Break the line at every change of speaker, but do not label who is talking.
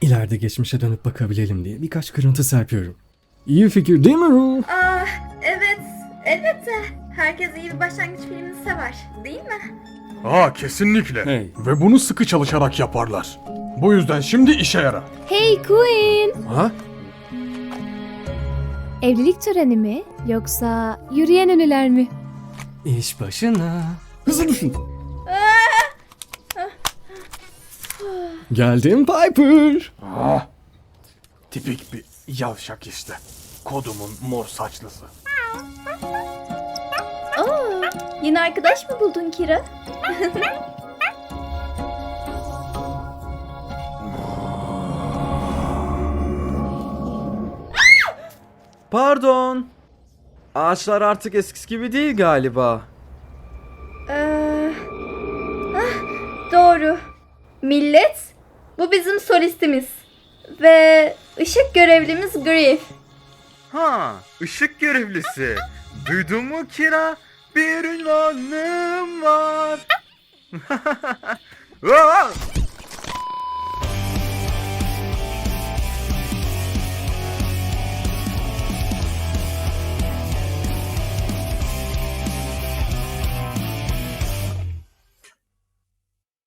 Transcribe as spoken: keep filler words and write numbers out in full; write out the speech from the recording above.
İleride geçmişe dönüp bakabilelim diye birkaç kırıntı serpiyorum. İyi fikir değil mi Ru?
Ah, evet, elbette. Herkes iyi bir başlangıç filmini sever, değil mi?
Aa, kesinlikle.
Hey.
Ve bunu sıkı çalışarak yaparlar. Bu yüzden şimdi işe yara.
Hey Queen!
Ha?
Evlilik töreni mi yoksa yürüyen ünlüler mi?
İş başına. Hızlı düşün. Geldim Piper.
Ah, tipik bir yavşak işte. Kodumun mor saçlısı.
Oo, yeni arkadaş mı buldun Kira?
Pardon. Ağaçlar artık eskisi gibi değil galiba.
Ee, ah, doğru. Millet, bu bizim solistimiz. Ve ışık görevlimiz Griff.
Ha, ışık görevlisi. Duydun mu Kira? Bir ünvanım var. Aa!